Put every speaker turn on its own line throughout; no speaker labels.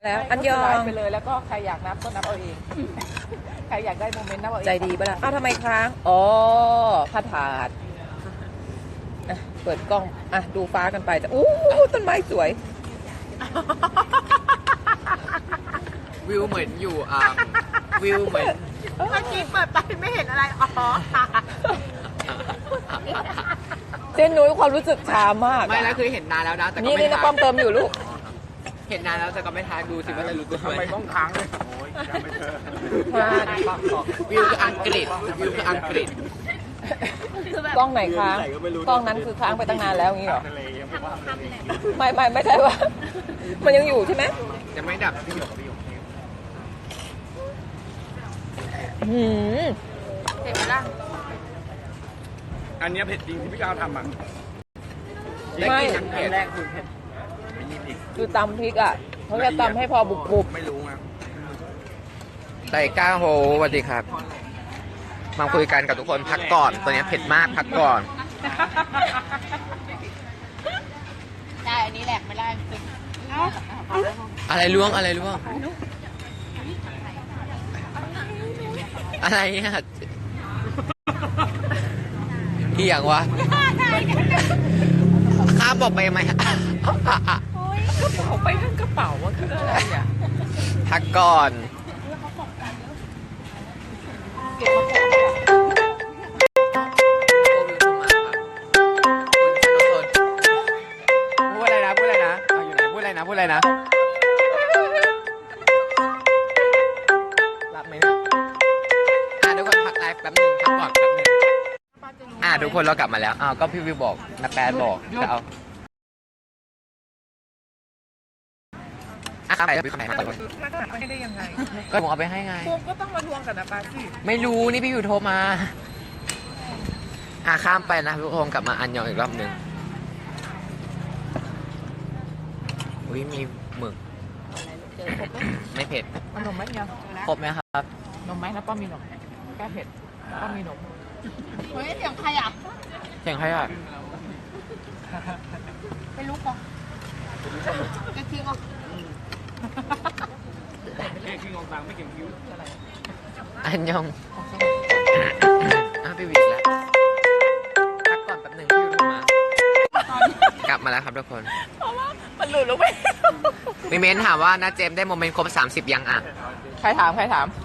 แล้วอันยอง
ไปเลยแล้วก็ใครอยากนับก็นับเอาเองใครอยากได้โมเมนต์นับเอาเอง
ใจดีป่ะล่ะอ้าวทำไมค้างอ๋อผ้าถาดเปิดกล้องดูฟ้ากันไปจะอู้ต้นไม้สวย
วิวเหมือนอยู่วิวเหมือน
เมื่อกี้เปิดไปไม่เห็นอะไรอ๋อ
เจนนุ้ยความรู้สึกช้ามาก
ไม่แล้วคือเห็นนานแล้วนะแต่ก็
นี่
ไม่
นะป้อมเติมอยู่ลูก
เห็นนานแล้วแต่ก็ไม่ทายดูสิว่าจะรู้ตัวไหม
ต้องค้างเลย
วิวคืออังกฤษวิวคืออังกฤษ
กล้องไหนค้างกล้องนั้นคือค้างไปตั้งนานแล้วงี้เหรอไม่ใช่ว่ามันยังอยู่ใช่ไหม
ยังไม่ดับพี่หยกพี่หยก
เห็นไหมล่ะ
อันนี้เผ็ดจริงที่พี่ก้าวทำอ่ะ
ไม่
เผ็ดแรกคือเผ็ด
คือตำพริกเขาจะตำให้พอบุบ
ไม่รู้ไง
ไต่ก้าโฮสวัสดีครับมาคุยกันกับทุกคนพักก่อนตัวนี้เผ็ดมากพักก่อน
ได้อันนี้แหลกไม่ได้จริง
อะไรล่วงอะไรล่วงอะไรเนี่ยที่อย่างวะข้าบอกไปไหม
เอาไปทั้งกระเป๋าว่าคืออะไร
พักก่อนพูดอะไรนะอยู่ไหนพูดอะไรนะรับไหมเนี่ยทุกคนพักไลฟ์แป๊บนึงพักก่อนแป๊บนึงทุกคนเรากลับมาแล้วก็พี่วิวบอกนักแปดบอกจะเอาไปแล้วพี่คำไหนมาก่อน
ไม่ได้ยังไง
ก็ผมเอาไปให้ไง
ผมก็ต้องมาทวงกับนะป้าสิ
ไม่รู้นี่พี่วิวโทรมาข้ามไปนะทุกคนกลับมาอันยองอีกรอบหนึ่งอุ้ยมีหมึกไม่เผ็ด
นมไหมเนี่ย
ครบไหมครับ
นมไหมนะป้อมมีนมแก้เผ็ดป้อมมีนม
เฮ้ยเสียงใครอ่ะ
เสียงใครอ่ะ
เป็นลูกเหรอจะทิ้งอ่ะ
แค่คิงของตังไม่เก็บคิ้ว
อันยองพี่วิวแล้วพักก่อนแป๊บหนึ่งพี่วิวมากลับมาแล้วครับทุกคน
เพราะว่ามันหลุดลงไป
มีเมนถามว่าน้าเจมได้โมเมนต์ครบ30ยัง
ใครถาม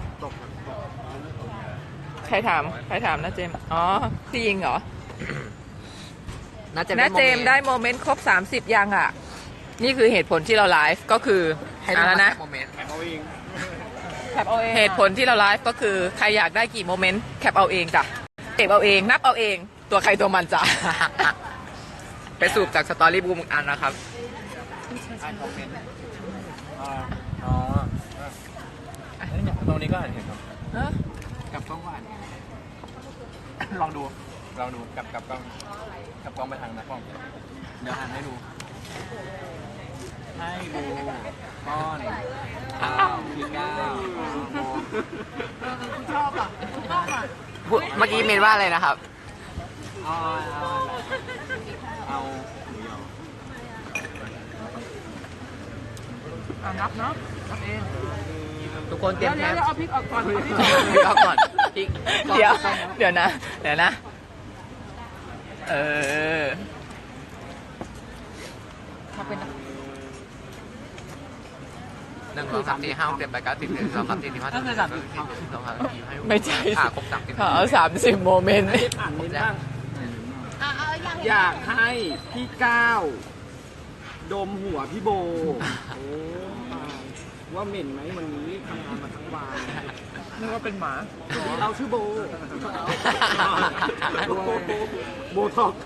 นะเจมอ๋อพี่ยิงเหรอ
น้า
เจมได้โมเมนต์ครบ30ยังนี่คือเหตุผลที่เราไลฟ์ก็คืออะไรนะเหตุผลที่เราไลฟ์ก็คือใครอยากได้กี่โมเมนต์แคปเอาเองจ้ะเก็บเอาเองนับเอาเองตัวใครตัวมันจ้ะ
ไปสูบจากสตอรี่บูมอันนะครับ
ตรงนี้ก็เห็นครับกับกล้องก็อ่านลองดูกับกล้องไปทางนะกล้องเดี๋ยวอ่านให้ดูก้อนคือก้าว
ชอบอ่ะ
เมื่อกี้เมนว่าอะไรนะครับ
เอา
นับเนาะนับเอง
ทุกคนเตรียมแคป
เอาพริกออกก่อน
พริกออกก่อนพริก
เดี๋ยวนะถ้าเป็น
1 2 3 4 5 6 7 8 9 10 11 12 13 14 15 16 17 18
ไม่ใช่
ครบ30
เอา30โมเมนต์
อ่านนิดบ้างอยากให้พี่ก้าวดมหัวพี่โบว่าเหม็นไหมวันนี้ทำงานมาทั้งวัน
นึกว่าเป็นหมา
เราชื่อโบโบท็อก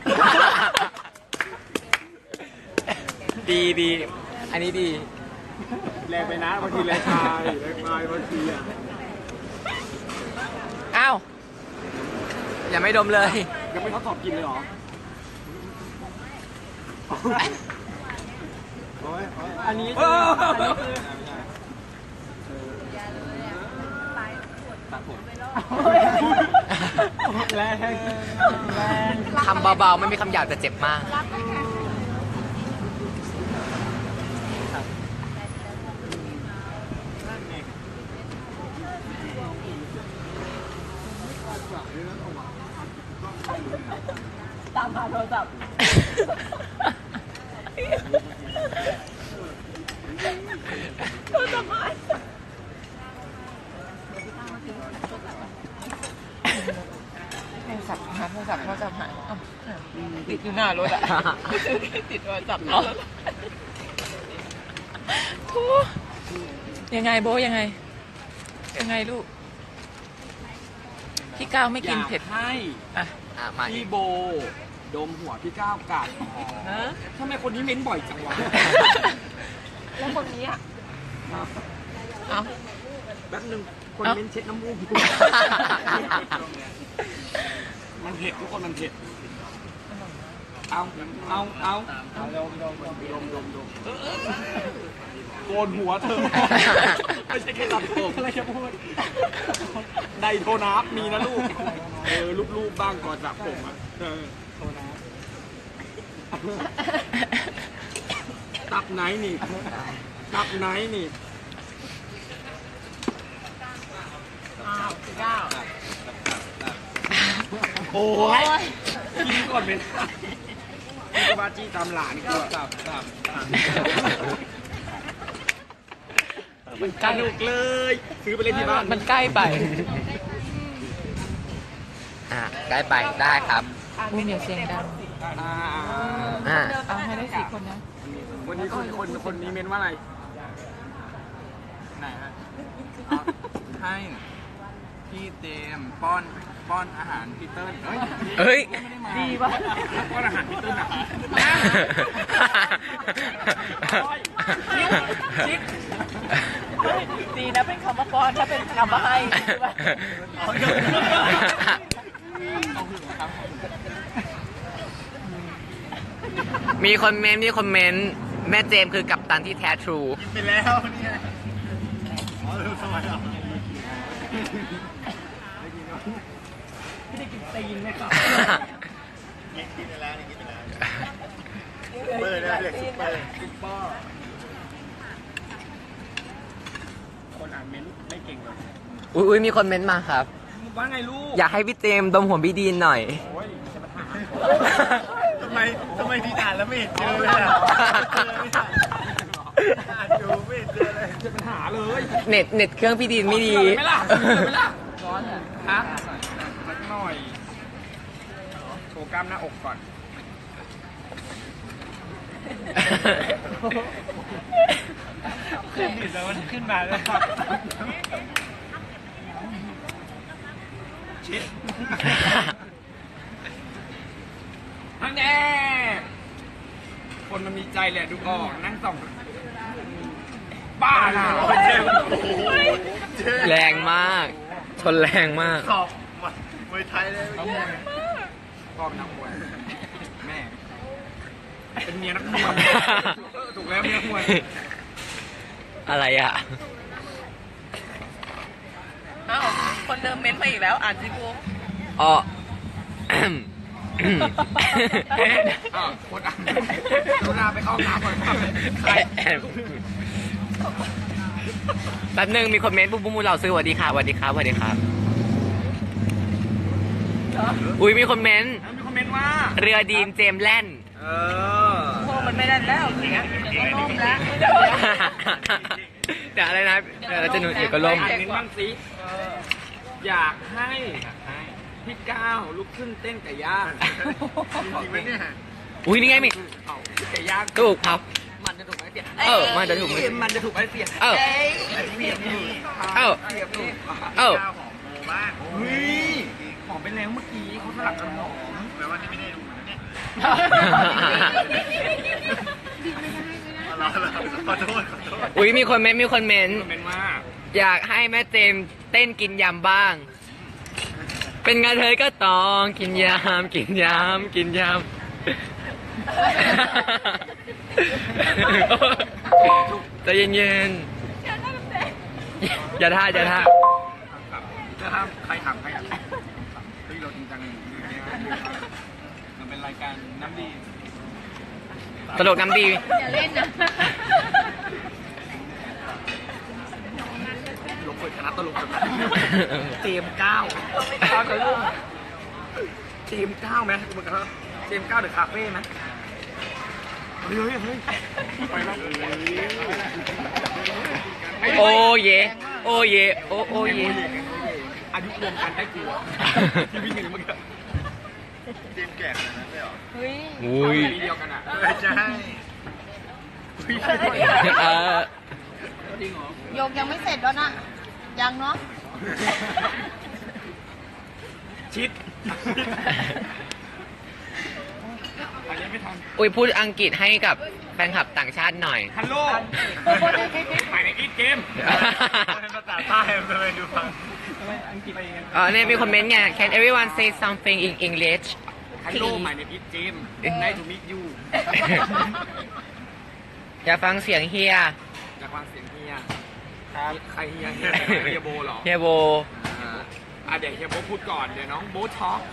ดีอันนี้ดี
แรงไปนะบางทีแรงตายบางที
อ้าว
อย่าไม่ดมเลย
ยังไม่ทดสอบกินเลยเหรออันนี้แรง
คำเบาๆไม่มีคำหยาบแต่เจ็บมาก
ศัพท์ โทรศัพท์หายโทรศัพท์หายโทรศัพท์หายอ้าวติดอยู่หน้ารถอ่ะ ติดโทรศัพท์หน้ารถโธ่ยังไงโบยังไงลูก พี่ก้าวไม่กินเผ็ด
ให้
อ่ะ
มาอี
พี่
ก
โบ ดมหัวพี่ก้าวกัดทำไมคนนี้เม้นบ่อยจังวะ
แล้วคนนี้อ่ะ เอา
แป๊บนึงคนเม้นเช็ดน้ำมูกมันเผ็ดทุกคนมันเผ็ดเอาโกนหัวเธอไม่ใช่แค่ตัดผมอะไรจะพูดไดโทนับมีนะลูกรูปบ้างก่อนสระผมอ่ะโทนับตับไหนนี่โอ้ยกินก่อนเป็นพี่บาจี้ตามหลานก็ตับสนุกเลยซื้อไปเล่นที่บ้าน
มันใกล้ไป
ใกล้ไปได้ครับ
อุ้ยเดี๋ยวเสียงดัง
เอาให้ได้4 คนนะ
วันนี้คนนี้เมนว่าอะไรไหนฮะให้พี่เจมป้อนอาหารพี่เติ้ล
เฮ้ย
ดีป่ะป้อนอาหารพี่เติ้ลอ่ะชิค
ดีนะเป็นคำว่าป้อนถ้าเป็นคำว่าให้ใช่ปะ
มีคอมเมนต์แม่เจมส์คือกัปตันที่แท้ทรู
ไปแล้วเนี่ยไม่ได้กินตีนไหมครับกินไปแล้วเปิดเลยซุปเปอร์คนอ่านเม้นไม่เก่งเลย
อุ้ยมีคนเมนต์มาครับ
ว่าไงลูก
อยากให้พี่เจมส์ดมหัวพี่ดีนหน่อย
โอ้ยจะมาถามทำไมพี่อ่านแล้วไม่เห็นเจอเลยอ่ะอ่านดูไม่เห็นเจอเลยจะปัญหาเลย
เน็ตเครื่องพี่ดีนไม่ดี
ไม่ล่ะร้อนอ่ะฮะสักหน่อยโชว์กล้ามหน้าอกก่อนขึ้นดิแล้วมันขึ้นมาแล้วครับชิดนั่นแน่คนมันมีใจแหละดูออกนั่งส่องบ้าน่ะ
แรงมาก ชนแรงมาก
สอบมวยไทยเลยเขามวยพ่อเป็นนักมวยแม่เป็นเมียนักมวยถูกแล้วเมียนักมวย
อะไรอ่ะ
อ้าวคนเดิมเม้นมาอีกแล้วอ่านสิบู
อ๋อ
โคตรอ่านดูหน้าไปเข้าน้ำก่อนใคร
แป๊บนึงมีคอมเมนต์บุ้มเราซื้อสวัสดีครับอุ้ยมีคอมเมนต์
มีคอมเมนต์ว่า
เรือดีมเจมส์แล่น
โอ้มันไม่ได้แล้วเสียก็ล่มแล้ว
เดี๋ยวอะไรนะเราจะหนุนเอกล่ม
อ่านเม้นต์บ้างสิอยากให้พี่ก้าวลุกขึ้นเต้นไก่ย่างจริงไหมเนี่ย
อุ้ยนี่ไงมี
ไก่ย่าง
ถูกครับ
มันจะถูกไหมเสีย
มันจะถูกไหม
มันจะถูกไหมเสีย เสียบนี่
เอ้า
เสียบนี่
เอ้า
หอมโมบ้างเฮ้ยหอมไปแล้วเมื่อกี้เขาสลับกันหอมแปลว่านี่ไม่ได้ดูนะเนี่ยขอโทษ
อุ้ยมีคนเมนต์
คอมเมนต์ว่า
อยากให้แม่เจมส์เต้นกินยำบ้าง เป็นงานเธอก็ต้องกินยำใจเย็นๆอย่าท่า
จะทำใครถามใครอ่ะเฮ้ยเราจริงจังมันเป็นรายการน้ำดี
ตลกน้ำดี
อย่าเล่นนะ
ลงเปิดคณะตลกกันนะเจมส์ก้าวกับลูกเจมส์ก้าวไหมเหมือนกันเจมส์ก้าวเดอะคาเฟ่ไหมเฮ้ยไปแล้ว
โอ้เยโอ้เยโอ้โอ้เย
อายุรวมกันได้กลัวที่วิ่งกันเมื่อกี้เจมส์แก่ขนาดนั้นเลยเหรอ
เฮ้ย
อุ้ย
ปีเดียวกันอ่ะใช่
เออ
จริงเหรอ
โยกยังไม่เสร็จแล้วนะยังเนาะ
ชิดอันนี้ไม่ทัน
อุ้ยพูดอังกฤษให้กับแฟนคลับต่างชาติหน่อย
ฮัลโหลไปในอีทเกมภาษาใต้เลยดูฟังอังกฤษไปเอง
เนี่ยมีคอมเมนต์ไง Can everyone say something in English
ฮัลโหลใหม่ในอีทเกมได้ทูมิยู
อยากฟังเสียงเฮีย
จากฟังเสียงเฮียครับใครเฮียเฮียโบเหรอ
เฮียโบ
เดี๋ยวเฮียโบพูดก่อนเดี๋ยวน้องโบท็อก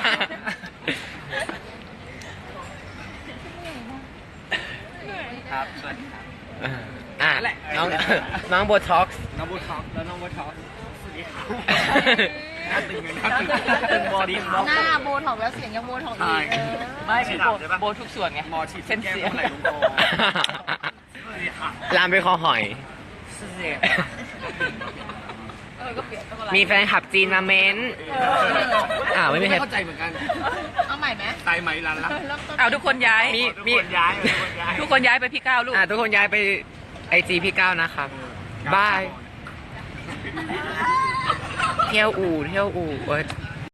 ครับสวัสดีครับ
น้องน้องโบท็อกซ์
น้องโบท็อกแล้วน้องโบท็อกสวัสดีครับน่าตึงเลยน่าตึงบอดี้ครับ
หน้าโบถอกแล้วเสียงยังโบถอกอีก
ไม่คือโบทุกส่วนไง
หมอฉีด
เส้นเสียง
ไหลลงคอ
ลามไปคอหอย
ก็เปลี่ยนต้องอะไร
มีแฟนคลับจีนมาเม้นไม่มีใคร
เข้าใจเหมือนกัน
เอาใหม่ไหม
ตายไหมรันละ
เริ่มต้น
เอาทุกคนย้าย
มี
คนย้ายคนย้าย
ทุกคนย้ายไปพี่ก้าวลูก
ทุกคนย้ายไปไอจีพี่ก้าวนะครับ บาย เที่ยวอู่เอ้ย